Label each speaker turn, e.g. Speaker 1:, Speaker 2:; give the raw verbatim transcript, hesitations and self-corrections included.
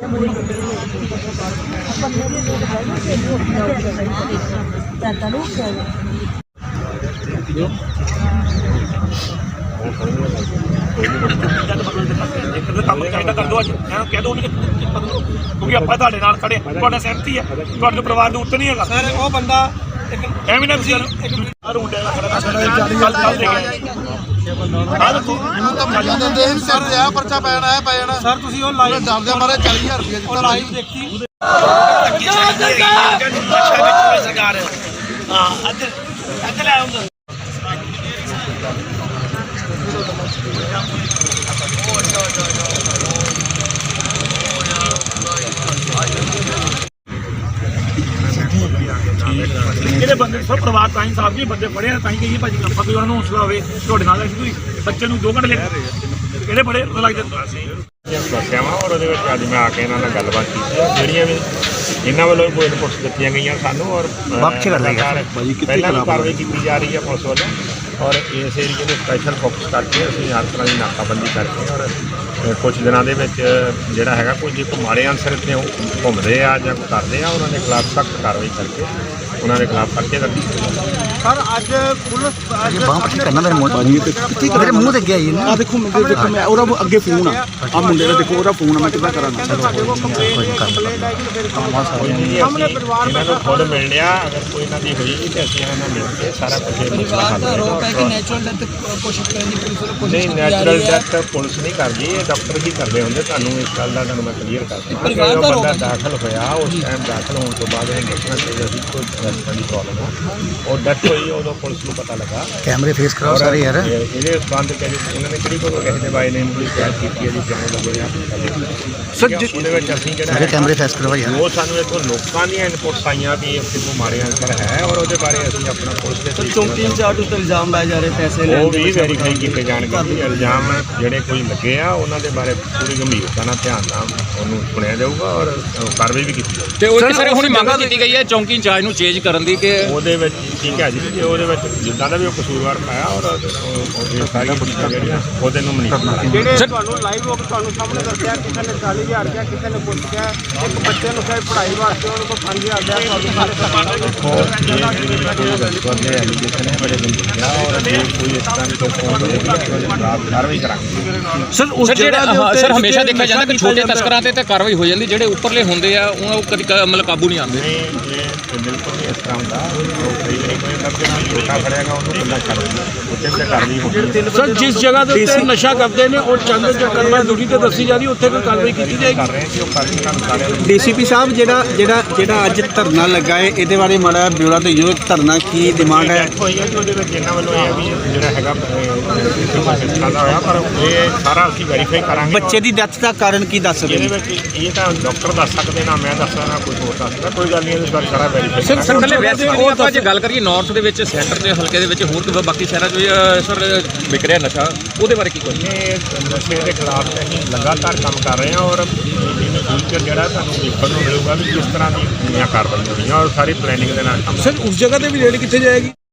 Speaker 1: क्योंकि आप खड़े सहमति है परिवार उत्तर नहीं है सर वो बंदा
Speaker 2: पर्चा पैना है पैना सर डरदे मारे चाली हजार रुपया लाइव देखी
Speaker 1: ਜਿਹੜੇ ਬੰਦੇ ਸਭ ਪਰਿਵਾਰ ਤਾਂ ਹੀ ਸਾਹਿਬ ਜੀ ਬੰਦੇ ਫੜੇ ਆ ਤਾਂ ਹੀ ਕਹੀਏ ਭਾਜੀ ਆਪਾਂ ਕੋਈ ਉਹਨਾਂ ਨੂੰ ਹੌਸਲਾ ਹੋਵੇ ਤੁਹਾਡੇ ਨਾਲ ਕੋਈ ਬੱਚੇ ਨੂੰ ਦੋ ਘੰਟੇ ਲੈ ਕਿਹੜੇ ਬੜੇ ਲੱਗ ਜਾਂਦੇ
Speaker 3: ਦੱਸਿਆ ਵਾ ਔਰ ਉਹਦੇ ਵਿੱਚ ਅੱਜ ਮੈਂ ਆ ਕੇ ਇਹਨਾਂ ਨਾਲ ਗੱਲਬਾਤ ਕੀਤੀ ਜਿਹੜੀਆਂ ਵੀ ਇਹਨਾਂ ਵੱਲੋਂ ਕੋਈ ਇਨਪੁਟਸ ਦਿੱਤੀਆਂ ਗਈਆਂ ਸਾਨੂੰ ਔਰ ਪਹਿਲਾਂ ਵੀ ਕਾਰਵਾਈ ਕੀਤੀ ਜਾ ਰਹੀ ਹੈ ਪੁਲਿਸ ਵੱਲੋਂ ਔਰ ਇਸ ਏਰੀਏ ਨੂੰ ਸਪੈਸ਼ਲ ਫੋਕਸ ਕਰਕੇ ਅਸੀਂ ਹਰ ਤਰ੍ਹਾਂ ਦੀ ਨਾਕਾਬੰਦੀ ਕਰਕੇ ਔਰ ਕੁਝ ਦਿਨਾਂ ਦੇ ਵਿੱਚ ਜਿਹੜਾ ਹੈਗਾ ਕੋਈ ਜੇ ਕੋਈ ਮਾੜੇ ਅਨਸਰ ਇੱਥੇ ਘੁੰਮਦੇ ਆ ਜਾਂ ਕੋਈ ਕਰਦੇ ਆ ਉਹਨਾਂ ਦੇ ਖਿਲਾਫ ਸਖਤ ਕਾਰਵਾਈ ਕਰਕੇ ਉਹਨਾਂ ਦੇ ਖਿਲਾਫ ਪਰਚੇ ਦਰਜ
Speaker 2: ਸਰ ਅੱਜ ਪੁਲਿਸ
Speaker 4: ਬਾਹ ਪੱਟੀ ਕਰਨਾ ਮੇਰੇ ਮੂੰਹ ਮੇਰੇ ਮੂੰਹ ਤੇ ਗਿਆ ਇਹ ਨਾ
Speaker 2: ਦੇਖੋ ਮੁੰਡੇ ਦੇਖੋ ਮੈਂ ਉਹਦਾ ਅੱਗੇ ਫੋਨ ਆ ਆ ਮੁੰਡੇ ਦਾ ਦੇਖੋ ਉਹਦਾ ਫੋਨ ਆ ਮੈਂ ਕਿੱਦਾਂ ਕਰਾਂਗਾ
Speaker 3: ਇਹਨਾਂ ਨੂੰ ਖੁਦ ਮਿਲ ਲਿਆ ਅਗਰ ਕੋਈ ਇਹਨਾਂ ਦੀ ਹੋਈ ਤਾਂ ਅਸੀਂ ਇਹਨਾਂ ਨਾਲ ਮਿਲ ਕੇ ਸਾਰਾ ਕੁਝ ਨਹੀਂ ਨੈਚੁਰਲ ਡੈਥ ਪੁਲਿਸ ਨਹੀਂ ਕਰਦੀ ਇਹ ਡਾਕਟਰ ਹੀ ਕਰਦੇ ਹੁੰਦੇ ਤੁਹਾਨੂੰ ਇਸ ਗੱਲ ਦਾ ਤੁਹਾਨੂੰ ਮੈਂ ਕਲੀਅਰ ਕਰਦਾ ਉਹ ਬੰਦਾ ਦਾਖਲ ਹੋਇਆ ਉਸ ਟਾਈਮ ਦਾਖਲ ਹੋਣ ਤੋਂ ਬਾਅਦ ਇਹ ਦੱਸਣਾ ਚਾਹੀਦਾ ਸੀ ਕੋਈ ਦੀ ਪ੍ਰੋਬਲਮ ਆ ਉਹ ਡੈਥ ਹੋਈ ਉਦੋਂ ਪੁਲਿਸ ਨੂੰ ਪਤਾ ਲੱਗਾ
Speaker 4: ਕੈਮਰੇ ਫੇਸ ਕਰਾਓ ਸਾਰੇ ਯਾਰ
Speaker 3: ਇਹਦੇ ਸੰਬੰਧ ਚ ਉਹਨਾਂ ਨੇ ਕਿਹੜੀ ਕੋਈ ਕਿਸੇ ਦੇ ਬਾਈ ਨੇ ਕੋਈ ਸ਼ਿਕਾਇਤ ਕੀਤੀ ਹੈ ਜੀ ਜਾਣੇ ਲੱਗੇ ਸਰ ਉਹਦੇ ਵਿੱਚ ਅਸੀਂ ਜਿਹੜਾ
Speaker 4: ਕੈਮਰੇ ਫੇਸ ਕਰਵਾ ਯਾਰ
Speaker 3: ਉਹ ਸਾਨੂੰ ਇੱਥੋਂ ਲੋਕਾਂ ਦੀਆਂ ਇਨਪੁਟਸ ਆਈਆਂ ਵੀ ਇੱਥੇ ਕੋਈ ਮਾੜੇ ਅਨਸਰ ਹੈ ਔਰ ਉਹਦੇ ਬਾਰੇ ਅਸੀਂ ਆਪਣਾ ਪੁਲਿਸ ਦੇ
Speaker 2: ਚੌਂਕੀ ਇੰਚਾਰਜ ਉੱਤੇ ਇਲਜ਼ਾਮ ਲਾਏ ਜਾ ਰਹੇ ਪੈਸੇ
Speaker 3: ਲੈਣ ਉਹ ਵੀ ਵੈਰੀਫਾਈ ਕੀਤੇ ਜਾਣਗੇ ਇਲਜ਼ਾਮ ਜਿਹੜੇ ਕੋਈ ਲੱਗੇ ਆ ਉਹਨਾਂ ਦੇ ਬਾਰੇ ਪੂਰੀ ਗੰਭੀਰਤਾ ਨਾਲ ਧਿਆਨ ਨਾਲ ਉਹਨੂੰ ਸੁਣਿਆ ਜਾਊਗਾ ਔਰ ਕਾਰਵਾਈ ਵੀ ਕੀਤੀ ਜਾਊਗੀ
Speaker 5: ਤੇ ਉਹ ਸਰ ਹੁਣ ਮੰਗ ਕੀਤੀ ਗਈ ਹੈ ਚੌਂਕੀ ਇੰਚਾਰਜ ਨੂੰ ਚੇਂਜ ਕਰਨ ਦੀ ਕਿ
Speaker 3: ਉਹਦੇ ਵਿੱਚ ਠੀਕ ਹੈ ਜੀ ਜੇ ਉਹਦੇ ਵਿੱਚ ਜਿੱਦਾਂ ਦਾ ਵੀ ਉਹ ਕਸੂਰਵਾਰ ਪਾਇਆ ਔਰ ਸਾਰੀਆਂ ਪੁੱਛਾਂ ਜਿਹੜੀਆਂ ਉਹਦੇ ਨੂੰ ਮਨੀ
Speaker 2: ਜਿਹੜੇ ਤੁਹਾਨੂੰ ਲਾਈਵ ਹੋ ਕੇ ਤੁਹਾਨੂੰ ਸਾਹਮਣੇ ਦੱਸਿਆ ਕਿਸੇ ਨੇ ਚਾਲੀ ਹਜ਼ਾਰ ਰੁਪਇਆ ਕਿਸੇ ਨੇ ਕੁਝ ਕਿਹਾ ਇੱਕ ਬੱਚੇ ਨੂੰ ਕਹੇ ਪੜ੍ਹਾਈ ਵਾਸਤੇ ਉਹਨੂੰ ਕੋਲ ਪੰਜ ਹਜ਼ਾਰ ਰੁਪਇਆ ਤੁਹਾਨੂੰ ਸਾਰੇ
Speaker 3: ਬੜੇ ਗੰਭੀਰ ਆ ਔਰ ਜੇ ਕੋਈ ਇਸ ਤਰ੍ਹਾਂ ਦੀ ਕੋਈ ਕਾਰਵਾਈ ਕਰਾਂਗੇ
Speaker 5: ਸਰ ਉਸ ਜਗ੍ਹਾ ਸਰ ਹਮੇਸ਼ਾ ਦੇਖਿਆ ਜਾਂਦਾ ਕਿ ਛੋਟੇ ਤਸਕਰਾਂ ਤੇ ਤਾਂ ਕਾਰਵਾਈ ਹੋ ਜਾਂਦੀ ਜਿਹੜੇ ਉੱਪਰਲੇ ਹੁੰਦੇ ਆ ਉਹ ਕਦੀ ਮਤਲਬ ਕਾਬੂ ਨਹੀਂ ਆਉਂਦੇ
Speaker 3: ਬਿਲਕੁਲ ਨਹੀਂ ਇਸ ਤਰ੍ਹਾਂ ਹੁੰਦਾ ਕਈ ਵਾਰੀ ਕੋਈ ਛੋਟਾ ਫੜਿਆਗਾ ਉਹਨੂੰ ਬੰਦਾ ਛੱਡ ਦਿੰਦਾ ਉੱਥੇ ਤੇ ਕਾਰਵਾਈ ਹੁੰਦੀ
Speaker 1: ਸਰ ਜਿਸ ਜਗ੍ਹਾ ਦੇ ਉੱਤੇ ਨਸ਼ਾ ਕਰਦੇ ਨੇ ਉਹ ਚੰਦ ਚੱਕਰਮਾ ਦੂਰੀ ਤੇ ਦੱਸੀ ਜਾ ਰਹੀ ਉੱਥੇ ਕੋਈ ਕਾਰਵਾਈ ਕੀਤੀ ਜਾਏਗੀ
Speaker 3: ਕਰ ਰਹੇ ਕਿ ਉਹ ਕਾਰਵਾਈ ਤੁਹਾਨੂੰ ਸਾਰਿਆਂ ਨੂੰ
Speaker 2: ਡੀਸੀਪੀ ਸਾਹਿਬ ਜਿਹੜਾ ਜਿਹੜਾ ਜਿਹੜਾ ਅੱਜ ਧਰਨਾ ਲੱਗਾ ਹੈ ਇਹਦੇ ਬਾਰੇ ਮਾੜਾ ਬਿਊਰਾ ਤੇ ਜੋ ਧਰਨਾ ਕੀ ਡਿਮਾਂਡ ਹੈ
Speaker 3: ਹੋਈ ਹੈ ਕਿ ਉਹਦੇ ਵਿੱਚ ਇਹਨਾਂ ਵੱਲੋਂ ਇਹ ਵੀ ਜਿਹੜਾ ਹੈਗਾ ਦਾ ਹੋਇਆ ਪਰ ਇਹ ਸਾਰਾ ਅਸੀਂ ਵੈਰੀਫਾਈ ਕਰਾਂਗੇ
Speaker 2: ਬੱਚੇ ਦੀ ਡੈਥ ਦਾ ਕਾਰਨ ਕੀ ਦੱਸ ਰਹੇ
Speaker 3: ਇਹਦੇ ਵਿੱਚ ਇਹ ਤਾਂ ਡਾਕਟਰ ਦੱਸ ਸਕਦੇ ਨਾ ਮੈਂ ਦੱਸ ਸਕਦਾ ਕੋਈ ਹੋਰ ਦੱਸ ਸਕਦਾ ਕੋਈ ਗੱਲ ਨਹੀਂ ਇਹਦੇ ਬਾਰੇ ਸਾਰਾ ਵੈਰੀਫਾਈ
Speaker 5: ਸਰ ਸਰ ਵੈਸੇ ਉਹ ਆਪਾਂ ਜੇ ਗੱਲ ਕਰੀਏ ਨਾਰਥ ਦੇ ਵਿੱਚ ਸੈਂਟਰ ਦੇ ਹਲਕੇ ਦੇ ਵਿੱਚ ਹੋਰ ਬਾਕੀ ਸ਼ਹਿਰਾਂ 'ਚ ਸਰ ਵਿਕ ਰਿਹਾ ਨਸ਼ਾ ਉਹਦੇ ਬਾਰੇ ਕੀ ਕਹੋਗੇ
Speaker 3: ਇਹ ਨਸ਼ੇ ਦੇ ਖਿਲਾਫ ਅਸੀਂ ਲਗਾਤਾਰ ਕੰਮ ਕਰ ਰਹੇ ਹਾਂ ਔਰ ਇਹਨੂੰ ਫਿਊਚਰ ਜਿਹੜਾ ਤੁਹਾਨੂੰ ਦੇਖਣ ਨੂੰ ਮਿਲੂਗਾ ਵੀ ਕਿਸ ਤਰ੍ਹਾਂ ਦੀ ਕਾਰਵਾਈ ਹੋਣੀ ਹੈ ਔਰ ਸਾਰੀ ਪਲੈਨਿੰਗ ਦੇ ਨਾਲ ਕੰਮ
Speaker 1: ਸਰ ਉਸ ਜਗ੍ਹਾ ਤੇ ਵੀ ਰੇਡ ਕਿੱਥੇ ਜਾਏਗੀ